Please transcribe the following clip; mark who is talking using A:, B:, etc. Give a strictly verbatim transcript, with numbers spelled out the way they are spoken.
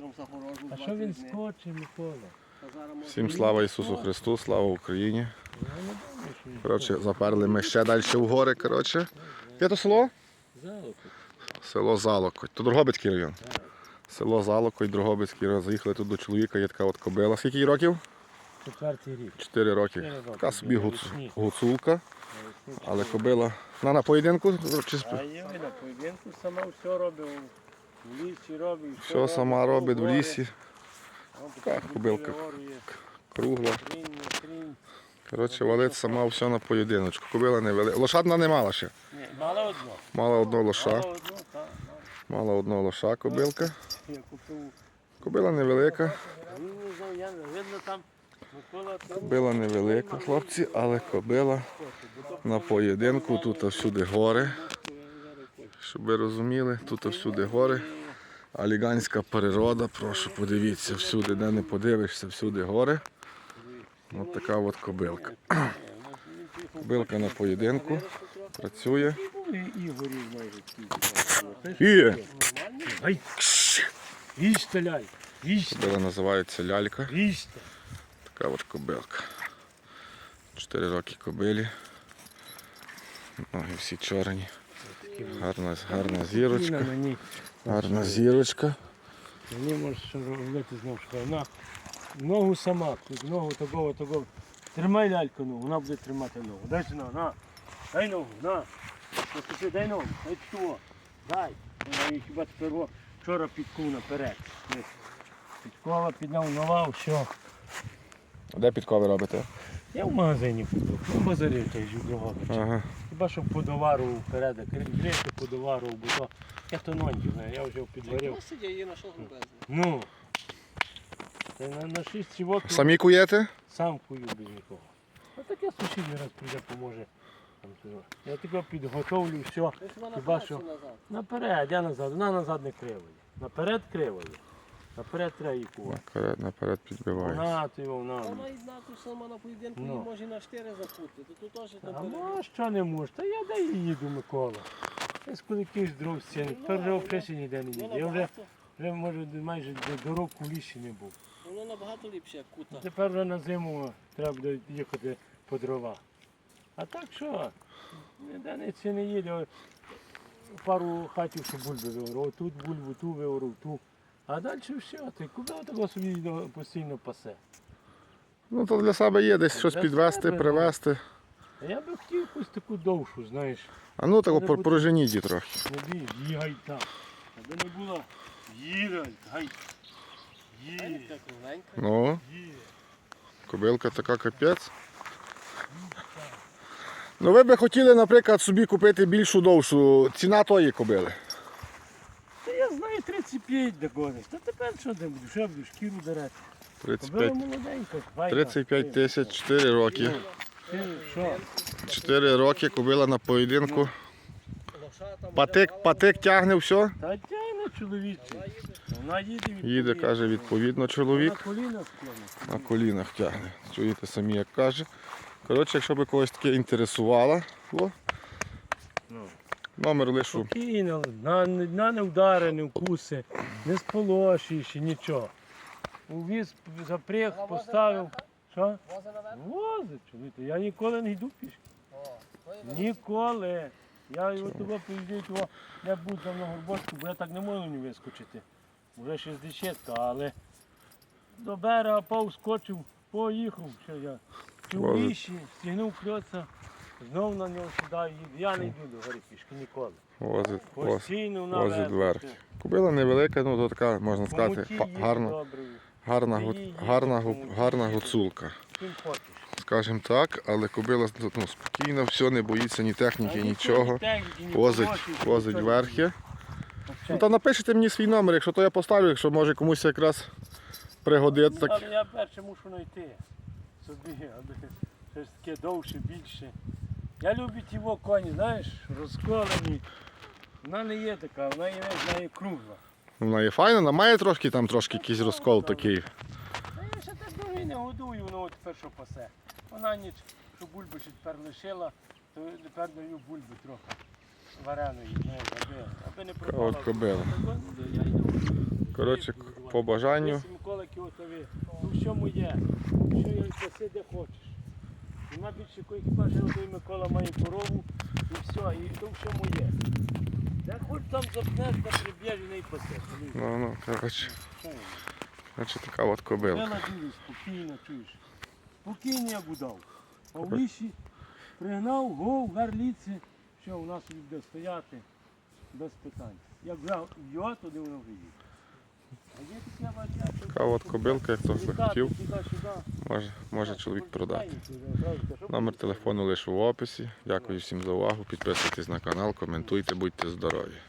A: А що він скоче, Микола?
B: Всім слава Ісусу Христу, слава Україні. Коротше, заперли ми ще далі в гори, коротше. Де то село?
A: Залокоть.
B: Село Залокоть. То Дрогобицький район. Село Залокоть, Дрогобицький район. Заїхали тут до чоловіка, є така от кобила. Скільки їй років?
A: Четвертий рік.
B: Чотири роки. Така собі гуц... гуцулка. Але кобила. Вона на поєдинку? Чи...
A: А є на поєдинку сама все робить. В лісі робить.
B: Все сама робить в лісі. Така кобилка кругла. Коротше, валить сама все на поєдиночку. Кобила не велика. Лошадна не мала ще.
A: Ні, мала одну.
B: Мала одного лоша.
A: Мала одну, так.
B: Мала одного лоша кобилка.
A: Я купив.
B: Кобила невелика.
A: Видно там Микола.
B: Кобила невелика, хлопці, але кобила на поєдинку. Тут всюди гори. Щоб ви розуміли, тут всюди гори. Аліганська природа, прошу, подивіться, всюди, де не подивишся, всюди гори. Ось така от кобилка. Кобилка на поєдинку, працює. І!
A: Ай! Їжте, ляль! Їжте!
B: Кобила називається лялька.
A: Їжте!
B: Така от кобилка. Чотири роки кобилі. Ноги всі чорні. Гарна, гарна зірочка. Гарна зірочка.
A: Мені можеш що робити знову, що вона ногу сама, тут ногу такого, такого. Тримай ляльку ногу, вона буде тримати ногу. Дай сюди, на. Дай ногу, на. Послухай, дай ногу, дай що. Дай. Вона її хіба тепер вчора підкув наперед. Підкова, підняв нова, все.
B: А де підкови робите?
A: Я в магазині купив, в базарі той ж другого.
B: Ага.
A: Хіба що подоварував вперед, грити подоварував, бо то я то ноньки знаю, я вже підварив. Ну, та на, на шість чівок
B: Самі куєте?
A: сам кую без нікого. А так я сусідній раз прийде, поможе. Там, я тебе підготовлю, все. Хіба що наперед, я назад, вона назад не криває. Наперед криває. Наперед треба її кувати.
B: Наперед, наперед підбивається.
A: Вона, ти вона.
C: Вона і знати сама на поєдинку,
A: Ну.
C: її може і на чотири закути. То тут теж
A: А
C: там
A: ну, що не може? Та я де їду, Микола. Я з куликів з дров стіни, тепер вже взагалі ніде не їду. Я вже, вже може, майже до року в лісі не був.
C: воно набагато ліпше, як кута.
A: Тепер вже на зиму треба буде їхати по дрова. А так що? Ніде ніці не їде. Пару хатів, що бульби виорав. Тут бульбу, ту виорав, ту. А далі все. Ти куди того собі постійно пасе?
B: Ну то для себе є десь щось
A: Для
B: підвести,
A: себе,
B: привезти.
A: А я би хотів якусь таку довшу, знаєш.
B: А ну так
A: Може бути.
B: пороженіть її трохи.
A: Не бій, їгай так. Аби не було їгай, гай. Їгай,
C: Така кругленька.
B: Ну,
A: їгай.
B: кобилка така капець. Ну ви би хотіли, наприклад, собі купити більшу довшу. Ціна тої кобили.
A: Та я знаю тридцять п'ять догониш. Та тепер що ти будеш? Що я буду шкіру дирати?
B: тридцять
A: Кобила
B: п'ять,
A: молоденька, файна.
B: тридцять п'ять тисяч, чотири роки.
A: Ти що?
B: чотири роки кобила на поєдинку.
C: Лоша там
B: Патик, патик тягне все.
A: Та тягне чоловічий. Вона їде відповідно.
B: Їде, каже, відповідно
A: На
B: чоловік.
A: колінах склонить.
B: На колінах тягне. Чуєте самі, як каже. Коротше, якщо би когось таке інтересувало, о,
A: Ну.
B: номер лишу.
A: Спокійно, на, на не удари, не вкуси, не сполошуєш, нічого. Увіз, запряг, поставив. Що?
C: возить наверх.
A: Возить, чоловіка. Я ніколи не йду пішки.
C: О, то є
A: Ніколи. Я його туди поїздив, того не був там на Горбочку, бо я так не можу не вискочити. Вже шістдесятка, але до берега повскочив, поїхав. Що я? Чи в
B: Возить.
A: лісі, стягнув кльоца, знов на нього сідаю, їду. Я не йду до гори пішки ніколи.
B: Возить, возить,
A: Постійно
B: возить
A: наверх.
B: вверх. Кобила невелика, ну то така, можна сказати,
A: Помуті
B: па-
A: їде
B: гарна,
A: добре.
B: гарна,
A: Ти
B: гу-
A: її
B: гарна,
A: їдеш,
B: гу-
A: помуті
B: гарна
A: їдеш.
B: гуцулка.
A: Чим хочеш.
B: Скажімо так, але кобила ну, спокійна, все, не боїться ні техніки,
A: А
B: нічого.
A: ні техніки, ні
B: Возить,
A: полосів,
B: возить
A: нічого.
B: верхи. Ну та напишіть мені свій номер, якщо то я поставлю, якщо може комусь якраз пригодиться. Так.
A: Але я перше мушу знайти собі, аби щось таке довше, більше. Я люблю ті во коні, знаєш, розколені. Вона не є така, вона є, вона є кругла.
B: Вона є файна, вона має трошки там трошки якийсь розкол такий.
A: Та я ще так довго не годую, воно от тепер що пасе. Вона ніч, що бульби ще тепер лишила, то тепер даю бульби трохи вареної, знаєш, аби, аби не пропала.
B: От кобила.
A: Я йду.
B: Коротше, по бажанню.
A: Ось Микола Кіотові, ну що моє, ну що я паси де хочеш. Нема більше якої хіба що той Микола має корову і все, і то все моє. Де хоч там запнеш, та приб'єш і не пасеш.
B: Ну, ну, коротше. Значить, така от кобилка.
A: Бела дуже спокійно, чуєш. Спокійно як удав. А в лісі пригнав, гов, гарліці, що у нас буде стояти без питань. Як вже його, туди воно вже їде. А є таке бачення, що
B: Така от кобилка, як хто би
A: літати
B: хотів,
A: туди-сюди.
B: може, може чоловік продати.
A: Номер
B: Номер телефону лише в описі. Дякую всім за увагу. Підписуйтесь на канал, коментуйте, будьте здорові.